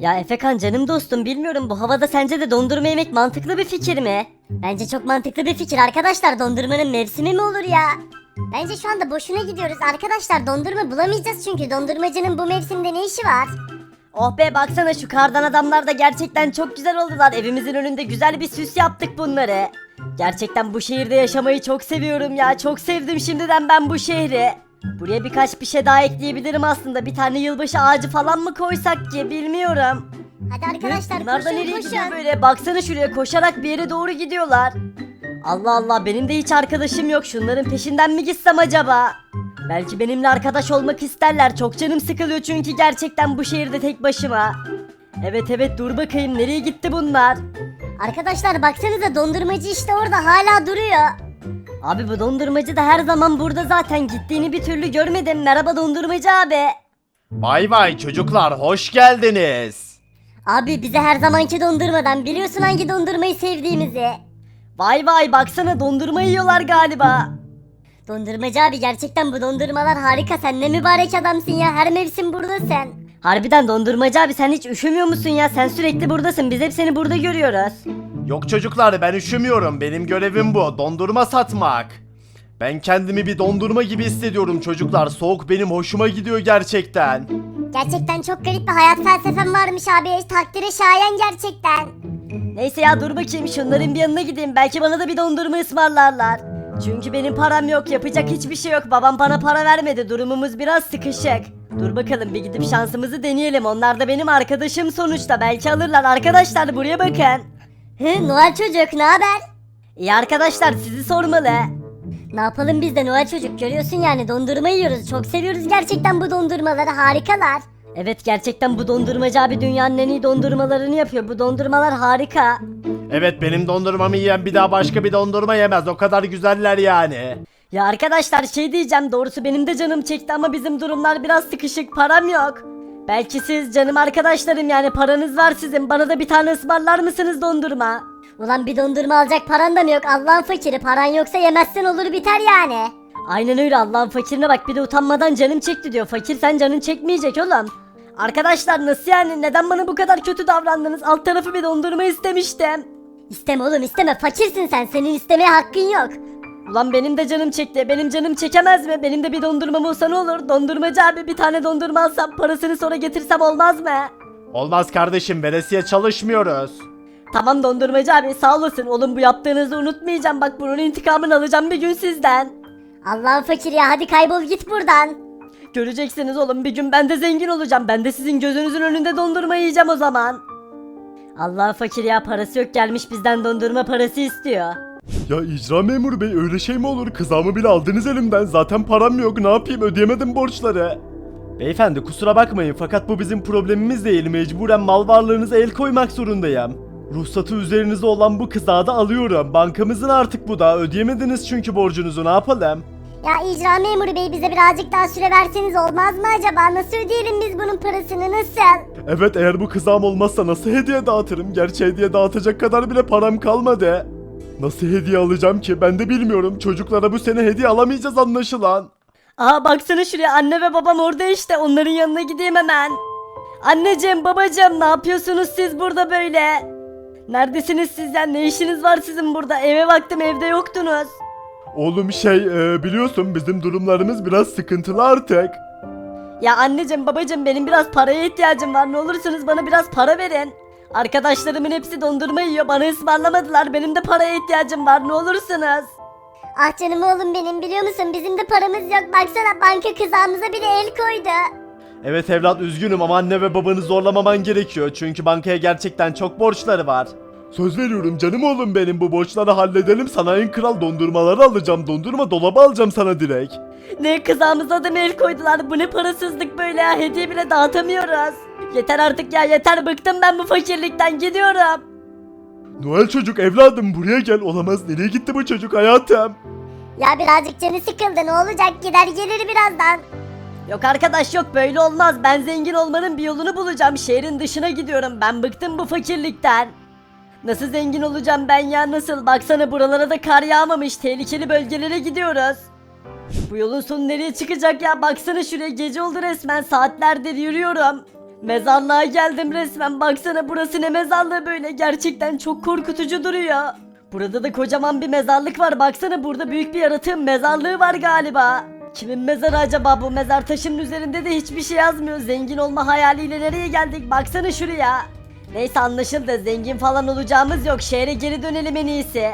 Ya Efekan canım dostum bilmiyorum bu havada sence de dondurma yemek mantıklı bir fikir mi? Bence çok mantıklı bir fikir arkadaşlar. Dondurmanın mevsimi mi olur ya? Bence şu anda boşuna gidiyoruz arkadaşlar. Dondurma bulamayacağız çünkü dondurmacının bu mevsimde ne işi var? Oh be baksana şu kardan adamlar da gerçekten çok güzel oldular. Evimizin önünde güzel bir süs yaptık bunları. Gerçekten bu şehirde yaşamayı çok seviyorum ya. Çok sevdim şimdiden ben bu şehri. Buraya birkaç bir şey daha ekleyebilirim aslında. Bir tane yılbaşı ağacı falan mı koysak ki bilmiyorum. Hadi arkadaşlar Bunlar da koşun nereye gidiyor koşun. böyle? Baksana şuraya koşarak bir yere doğru gidiyorlar. Allah Allah benim de hiç arkadaşım yok. Şunların peşinden mi gitsem acaba? Belki benimle arkadaş olmak isterler. Çok canım sıkılıyor çünkü gerçekten bu şehirde tek başıma. Evet dur bakayım nereye gitti bunlar? Arkadaşlar baksanıza dondurmacı işte orada hala duruyor. Abi bu dondurmacı da her zaman burada zaten gittiğini bir türlü görmedim. Merhaba dondurmacı abi. Vay vay çocuklar hoş geldiniz. Abi bize her zamanki dondurmadan biliyorsun hangi dondurmayı sevdiğimizi. Vay baksana dondurma yiyorlar galiba. Dondurmacı abi gerçekten bu dondurmalar harika. Sen ne mübarek adamsın ya, her mevsim buradasın. Harbiden dondurmacı abi sen hiç üşümüyor musun ya? Sen sürekli buradasın. Biz hep seni burada görüyoruz. Yok çocuklar ben üşümüyorum benim görevim bu dondurma satmak. Ben kendimi bir dondurma gibi hissediyorum çocuklar soğuk benim hoşuma gidiyor gerçekten. Gerçekten çok garip bir hayat felsefem varmış abi. Takdire şayan gerçekten. Neyse ya dur bakayım şunların bir yanına gideyim. Belki bana da bir dondurma ısmarlarlar. Çünkü benim param yok. Yapacak hiçbir şey yok. Babam bana para vermedi. Durumumuz biraz sıkışık. Dur bakalım bir gidip şansımızı deneyelim. Onlar da benim arkadaşım sonuçta. Belki alırlar. Arkadaşlar buraya bakın. Noel çocuk ne haber? İyi arkadaşlar sizi sormalı. Ne yapalım biz de Noel çocuk, görüyorsun yani dondurma yiyoruz. Çok seviyoruz gerçekten bu dondurmaları, harikalar. Evet gerçekten bu dondurmacı abi dünyanın en iyi dondurmalarını yapıyor. Bu dondurmalar harika. Evet benim dondurmamı yiyen bir daha başka bir dondurma yemez o kadar güzeller yani. Ya arkadaşlar şey diyeceğim doğrusu benim de canım çekti ama bizim durumlar biraz sıkışık param yok. Belki siz canım arkadaşlarım yani paranız var sizin bana da bir tane ısmarlar mısınız dondurma? Ulan bir dondurma alacak paran da mı yok? Allah'ın fakiri, paran yoksa yemezsen olur biter yani. Aynen öyle Allah'ın fakirine bak bir de utanmadan canım çekti diyor. Fakir sen canın çekmeyecek oğlum. Arkadaşlar nasıl yani neden bana bu kadar kötü davrandınız? Alt tarafı bir dondurma istemiştim. İsteme oğlum isteme, fakirsin sen, senin istemeye hakkın yok. Ulan benim de canım çekti. Benim canım çekemez mi? Benim de bir dondurmam olsa ne olur? Dondurmacı abi bir tane dondurma alsam parasını sonra getirsem olmaz mı? Olmaz kardeşim veresiye çalışmıyoruz. Tamam dondurmacı abi sağ olasın. Oğlum bu yaptığınızı unutmayacağım. Bak bunun intikamını alacağım bir gün sizden. Allah'ın fakiri ya, hadi kaybol git buradan. Göreceksiniz oğlum bir gün ben de zengin olacağım. Ben de sizin gözünüzün önünde dondurma yiyeceğim o zaman. Allah fakir ya parası yok gelmiş bizden dondurma parası istiyor. Ya icra memur bey öyle şey mi olur? Kızağımı bile aldınız elimden. Zaten param yok. Ne yapayım? Ödeyemedim borçları. Beyefendi kusura bakmayın fakat bu bizim problemimiz değil. Mecburen mal varlığınıza el koymak zorundayım. Ruhsatı üzerinizde olan bu kızağı da alıyorum. Bankamızın artık bu da. Ödeyemediniz çünkü borcunuzu ne yapalım? Ya icra memuru bey, bize birazcık daha süre verseniz olmaz mı acaba? Nasıl ödeyelim biz bunun parasını, nasıl? Evet eğer bu kızağım olmazsa nasıl hediye dağıtırım? Gerçi hediye dağıtacak kadar bile param kalmadı. Nasıl hediye alacağım ki? Ben de bilmiyorum. Çocuklara bu sene hediye alamayacağız anlaşılan. Aha baksana şuraya anne ve babam orada işte onların yanına gideyim hemen. Anneciğim babacığım ne yapıyorsunuz siz burada böyle? Neredesiniz siz ya ne işiniz var sizin burada eve baktım evde yoktunuz. Oğlum biliyorsun bizim durumlarımız biraz sıkıntılı artık. Ya anneciğim babacığım benim biraz paraya ihtiyacım var ne olursunuz bana biraz para verin. Arkadaşlarımın hepsi dondurma yiyor bana ısmarlamadılar benim de paraya ihtiyacım var ne olursunuz. Ah canım oğlum benim, biliyor musun bizim de paramız yok. Baksana banka kızağımıza bile el koydu. Evet evlat üzgünüm ama anne ve babanı zorlamaman gerekiyor. Çünkü bankaya gerçekten çok borçları var. Söz veriyorum canım oğlum benim bu borçları halledelim. Sana en kral dondurmaları alacağım. Dondurma dolabı alacağım sana direkt. Ne kızağımıza da mı el koydular bu ne parasızlık böyle ya hediye bile dağıtamıyoruz. Yeter artık ya yeter bıktım ben bu fakirlikten gidiyorum. Noel çocuk evladım buraya gel. Olamaz nereye gitti bu çocuk hayatım? Ya birazcık canı sıkıldı, ne olacak, gider gelir birazdan. Yok arkadaş yok böyle olmaz ben zengin olmanın bir yolunu bulacağım şehrin dışına gidiyorum ben bıktım bu fakirlikten. Nasıl zengin olacağım ben ya nasıl baksana buralara da kar yağmamış tehlikeli bölgelere gidiyoruz. Bu yolun sonu nereye çıkacak ya baksana şuraya gece oldu resmen saatlerdir yürüyorum. Mezarlığa geldim resmen. Baksana burası ne mezarlığı böyle. Gerçekten çok korkutucu duruyor. Burada da kocaman bir mezarlık var. Baksana burada büyük bir yaratığın mezarlığı var galiba. Kimin mezarı acaba bu? Mezar taşının üzerinde de hiçbir şey yazmıyor. Zengin olma hayaliyle nereye geldik? Baksana şuraya. Neyse anlaşıldı. Zengin falan olacağımız yok. Şehre geri dönelim en iyisi.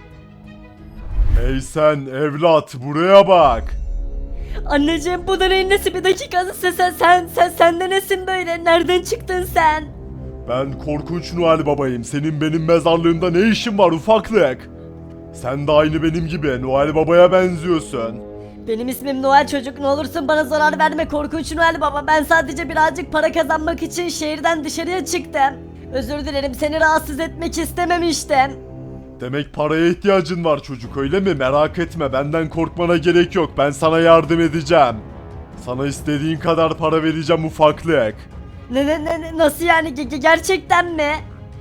Hey sen evlat buraya bak. Anneciğim bu da neyin nesi? Bir dakika sen de nesin böyle? Nereden çıktın sen? Ben korkunç Noel babayım. Senin benim mezarlığımda ne işin var ufaklık? Sen de aynı benim gibi Noel babaya benziyorsun. Benim ismim Noel çocuk. Ne olursun bana zarar verme korkunç Noel baba. Ben sadece birazcık para kazanmak için şehirden dışarıya çıktım. Özür dilerim seni rahatsız etmek istememiştim. Demek paraya ihtiyacın var çocuk öyle mi? Merak etme benden korkmana gerek yok. Ben sana yardım edeceğim. Sana istediğin kadar para vereceğim ufaklık. Nasıl yani gerçekten mi?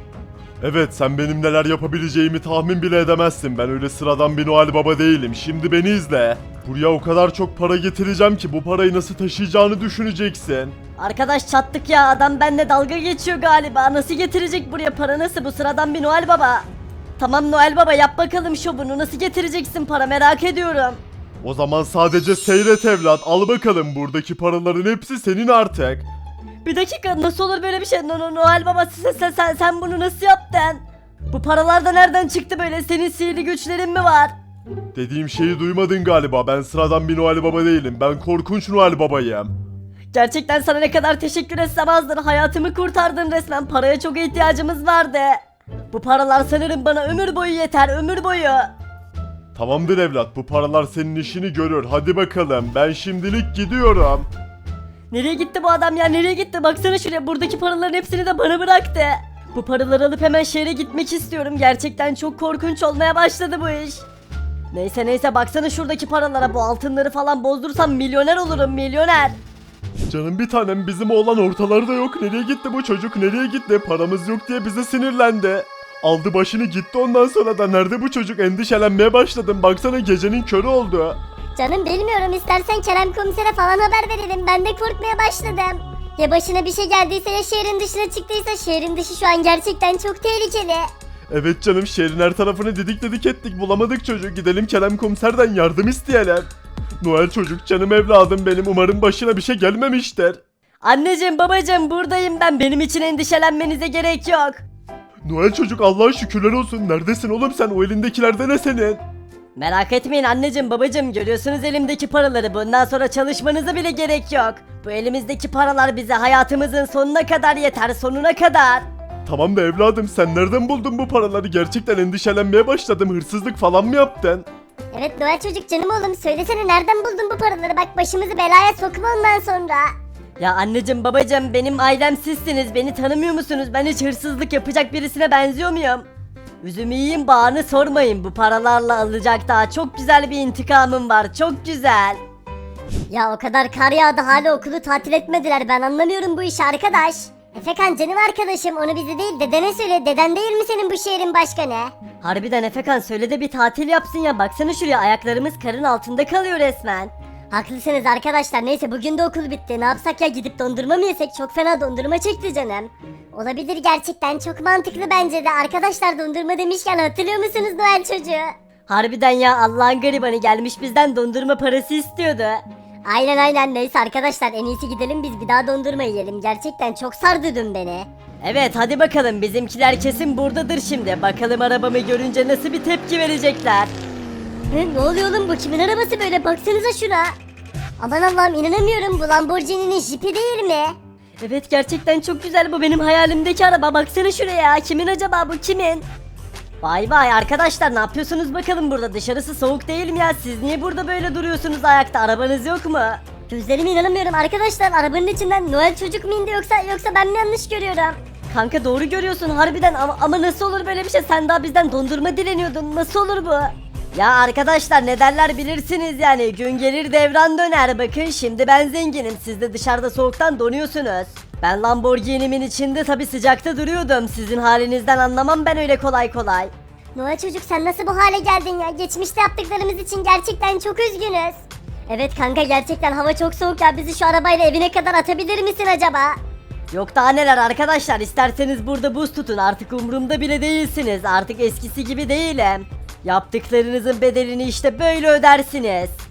Evet sen benim neler yapabileceğimi tahmin bile edemezsin. Ben öyle sıradan bir Noel Baba değilim. Şimdi beni izle. Buraya o kadar çok para getireceğim ki bu parayı nasıl taşıyacağını düşüneceksin. Arkadaş çattık ya, adam benimle dalga geçiyor galiba. Nasıl getirecek buraya para, nasıl? Bu sıradan bir Noel Baba. Tamam Noel Baba, yap bakalım şovunu. Nasıl getireceksin para, merak ediyorum. O zaman sadece seyret evlat. Al bakalım, buradaki paraların hepsi senin artık. Bir dakika, nasıl olur böyle bir şey? Noel Baba sen bunu nasıl yaptın? Bu paralar da nereden çıktı böyle? Senin sihirli güçlerin mi var? Dediğim şeyi duymadın galiba. Ben sıradan bir Noel Baba değilim. Ben korkunç Noel Babayım. Gerçekten sana ne kadar teşekkür etsem azdır. Hayatımı kurtardın resmen. Paraya çok ihtiyacımız vardı. Bu paralar sanırım bana ömür boyu yeter, ömür boyu. Tamamdır evlat, bu paralar senin işini görür. Hadi bakalım, ben şimdilik gidiyorum. Nereye gitti bu adam ya, nereye gitti? Baksana şuraya, buradaki paraların hepsini de bana bıraktı. Bu paraları alıp hemen şehre gitmek istiyorum. Gerçekten çok korkunç olmaya başladı bu iş. Neyse baksana şuradaki paralara, bu altınları falan bozdursam milyoner olurum, milyoner. Canım bir tanem, bizim oğlan ortalarda yok. Nereye gitti bu çocuk, nereye gitti? Paramız yok diye bize sinirlendi. Aldı başını gitti, ondan sonra da nerede bu çocuk? Endişelenmeye başladım. Baksana gecenin körü oldu. Canım bilmiyorum, istersen Kerem komisere falan haber verelim. Ben de korkmaya başladım. Ya başına bir şey geldiyse, ya şehrin dışına çıktıysa, şehrin dışı şu an gerçekten çok tehlikeli. Evet canım, şehrin her tarafını didik ettik, bulamadık çocuğu. Gidelim Kerem komiserden yardım isteyelim. Noel çocuk, canım evladım benim, umarım başına bir şey gelmemiştir. Anneciğim babacığım, buradayım ben, benim için endişelenmenize gerek yok. Noel çocuk, Allah'a şükürler olsun. Neredesin oğlum sen? O elindekilerde ne senin? Merak etmeyin anneciğim babacığım, görüyorsunuz elimdeki paraları, bundan sonra çalışmanıza bile gerek yok. Bu elimizdeki paralar bize hayatımızın sonuna kadar yeter, sonuna kadar. Tamam da evladım, sen nereden buldun bu paraları? Gerçekten endişelenmeye başladım. Hırsızlık falan mı yaptın? Evet Noel çocuk, canım oğlum, söylesene nereden buldun bu paraları? Bak başımızı belaya sokma ondan sonra. Ya anneciğim babacığım, benim ailem sizsiniz, beni tanımıyor musunuz? Ben hiç hırsızlık yapacak birisine benziyor muyum? Üzümü yiyin, bağını sormayın, bu paralarla alacak daha çok güzel bir intikamım var, çok güzel. Ya o kadar kar yağdı, hala okulu tatil etmediler, ben anlamıyorum bu işi arkadaş. Efekan canım arkadaşım, onu bize değil dedene söyle, deden değil mi senin bu şehrin başkanı? Harbiden Efekan, söyle de bir tatil yapsın ya, baksana şuraya, ayaklarımız karın altında kalıyor resmen. Haklısınız arkadaşlar, neyse bugün de okul bitti, ne yapsak ya, gidip dondurma mı yesek? Çok fena dondurma çekti canım. Olabilir, gerçekten çok mantıklı bence de. Arkadaşlar dondurma demişken, hatırlıyor musunuz Noel çocuğu? Harbiden ya, Allah'ın garibanı gelmiş bizden dondurma parası istiyordu. Aynen, neyse arkadaşlar, en iyisi gidelim biz bir daha dondurma yiyelim, gerçekten çok sardı dün beni. Evet hadi bakalım, bizimkiler kesin buradadır şimdi. Bakalım arabamı görünce nasıl bir tepki verecekler. Ne oluyor oğlum, bu kimin arabası böyle, baksanıza şuna. Aman Allah'ım, inanamıyorum, bu Lamborghini'nin jipi değil mi? Evet gerçekten çok güzel, bu benim hayalimdeki araba, baksana şuraya, kimin acaba bu, kimin? Vay arkadaşlar, ne yapıyorsunuz bakalım burada, dışarısı soğuk değil mi ya, siz niye burada böyle duruyorsunuz ayakta, arabanız yok mu? Gözlerime inanamıyorum arkadaşlar, arabanın içinden Noel çocuk mu indi, yoksa ben mi yanlış görüyorum? Kanka doğru görüyorsun harbiden, ama nasıl olur böyle bir şey, sen daha bizden dondurma dileniyordun, nasıl olur bu? Ya arkadaşlar ne derler bilirsiniz yani, gün gelir devran döner, bakın şimdi ben zenginim, siz de dışarıda soğuktan donuyorsunuz. Ben Lamborghini'min içinde tabi sıcakta duruyordum, sizin halinizden anlamam ben öyle kolay. Noel çocuk, sen nasıl bu hale geldin ya? Geçmişte yaptıklarımız için gerçekten çok üzgünüz. Evet kanka, gerçekten hava çok soğuk ya, bizi şu arabayla evine kadar atabilir misin acaba? Yok daha neler arkadaşlar, isterseniz burada buz tutun, artık umurumda bile değilsiniz, artık eskisi gibi değilim. Yaptıklarınızın bedelini işte böyle ödersiniz.